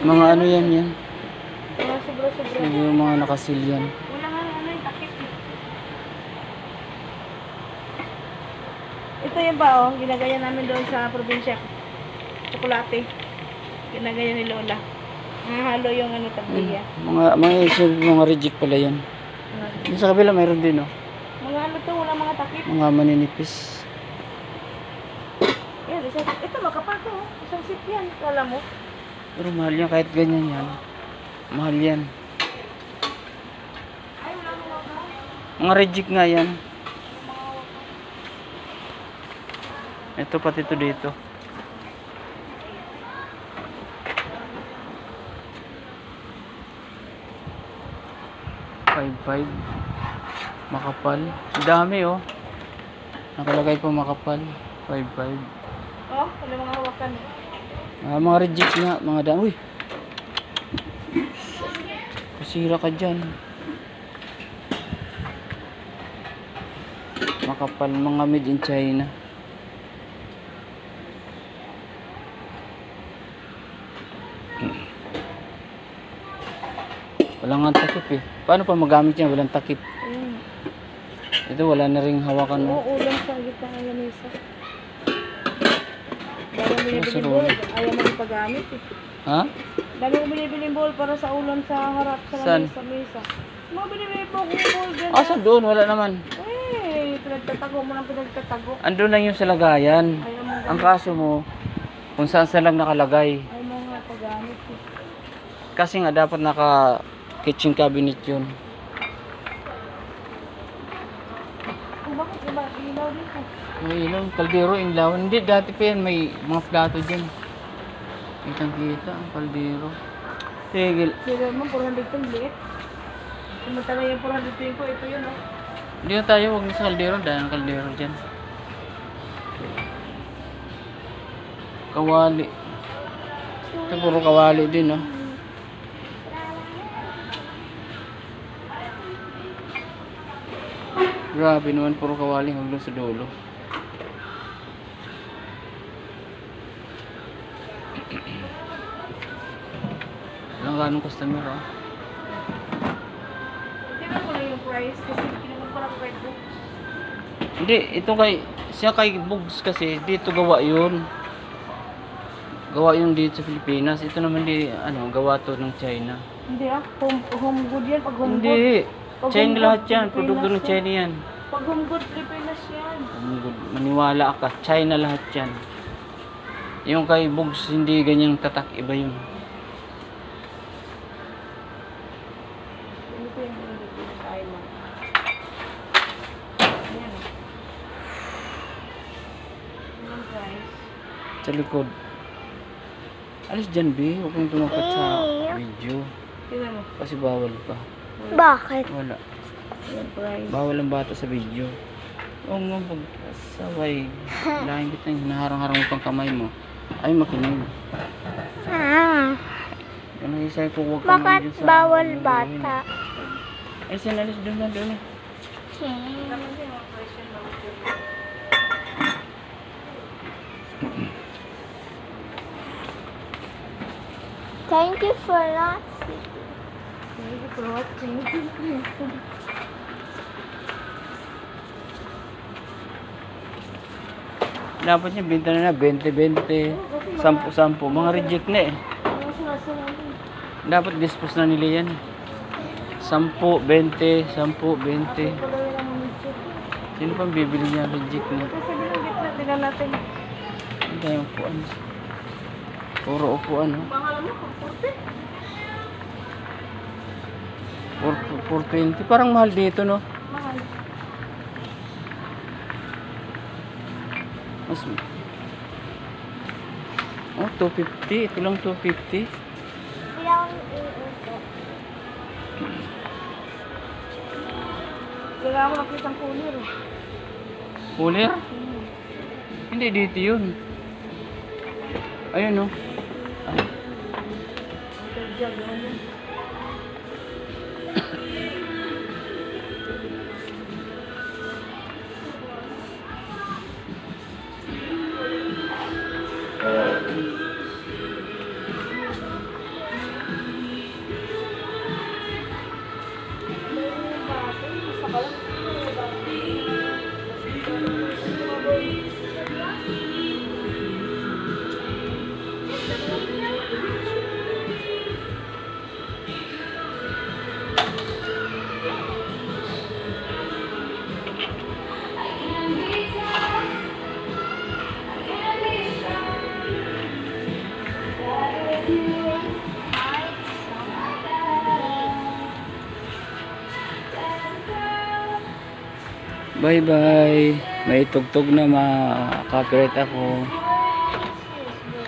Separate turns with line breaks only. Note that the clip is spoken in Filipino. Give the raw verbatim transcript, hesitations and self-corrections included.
Mga ano yan yan.
Mga sobra-sobra.
Yung mga nakasil yan.
Wala nga ano yung takip. Ito yung ba oh, ginagaya namin doon sa probinsya. Tsokolate. Ginagaya ni Lola. Nahalo yung ano tabliya.
Mga mga isil, mga reject pala yan. Yung sa kabila mayroon din oh.
Mga ano to, wala mga takip.
Mga maninipis.
Yan, isang, ito makapal to. Oh. Isang sip yan. Kala mo?
Pero mahal yan kahit ganyan yan. Mahal yan.
Ay, wala mo waka.
Mga reject nga yan. Ito pati ito dito. five five. Makapal. Ang dami oh. Nakalagay po makapal. five five.
Oh, wala mga hawakan.
Ah, mga reject nga, mga dami. Uy. Pasira ka dyan. Makapal, mga made in China. Walang nga takip eh. Paano pa magamit yan? Walang takip.
Ayun.
Ito wala na ring hawakan mo.
Oo, ulam sa gitna ng lamesa. Dami mo binibili
Masarap.
bowl. Ayaw mo yung paggamit eh.
Ha?
Dami mo binibili bowl para sa ulam sa harap sa
Saan?
lamesa. mesa. Mga binibili po kong bowl dyan.
Ah, saan doon? Wala naman.
Eh, pinagtatago mo lang pinagtatago.
Andun lang yung sa lagayan.
Ayaw mo
Ang
gamit.
kaso mo, kung saan saan lang nakalagay.
Ayaw mo nga paggamit eh.
Kasi nga dapat naka kitchen cabinet yun.
Kung bakit iba ilaw dito?
May ilaw, kaldero, inlaw. Hindi, dati pa yan, may mga plato dyan. Kitang kita, ang kaldero. Tigil.
Sige mo, four hundred ten liit. Samantala yung four hundred ten ko, ito yun oh.
Hindi na tayo, huwag na sa kaldero, dahil ang kaldero dyan. Kawali. Ito puro kawali din, oh. Grabe naman, puro kawali hanggang sa dulo. Walang ganong customer, oh.
Tingnan ko lang yung price kasi kinuha ko lang red book.
Hindi, ito kay, siya kay Bugs kasi, dito gawa yun. Gawa yung dito sa Pilipinas. Ito naman di, ano, gawa to ng China.
Hindi ah, home, home good yan. Pag home good.
Hindi,
Pag
China
home
lahat
good,
yan.
Pilipinas
Produkto ng
yan.
China yan.
Pag home good, Pilipinas yan.
Maniwala ka, China lahat yan. Yung kay Bugs, hindi ganyang tatak, iba yun.
Ano ko yung home good dito sa island? Ayan ah. Anong price?
Sa likod. Alis dyan, B. Huwag kang tumapat sa video.
Tingnan mo.
Kasi bawal pa.
Bakit?
Wala.
Anong price?
Bawal ang bata sa video. Oo nga, pag saway. Lahin kita yung hinaharang-harang mo pang kamay mo. Ay, makinig.
Ah,
Ano yung isay ko, huwag ka naman
bakit
dyan sa...
bawal
ano,
bata?
Ay, sinalis doon na doon.
Naman din mga price yan. Bawal yun.
Thank you for watching.
Thank you for watching.
Dapat niya, binta na na, twenty twenty, ten, ten. Mga reject na eh.
Ano sila natin?
Dapat dispose na nila yan. ten, twenty, ten, twenty.
Pala yun ang medyo.
Sino pang bibili niya reject na?
Kasi bilang gitna, tingnan natin.
Ang dami upuan. Puro upuan, oh.
Pangalan mo, pagpurte.
four twenty. Parang mahal dito, no?
Mahal.
Mas... Oh, two fifty. Ito lang two fifty.
Ilang iuso.
Wala ako nakita ang cooler. eh.
Cooler?
Hmm.
Hindi, dito yun. Ayun, no? Ah,
Jug, ano?
Bye bye. May tugtog na ma-copyright ako.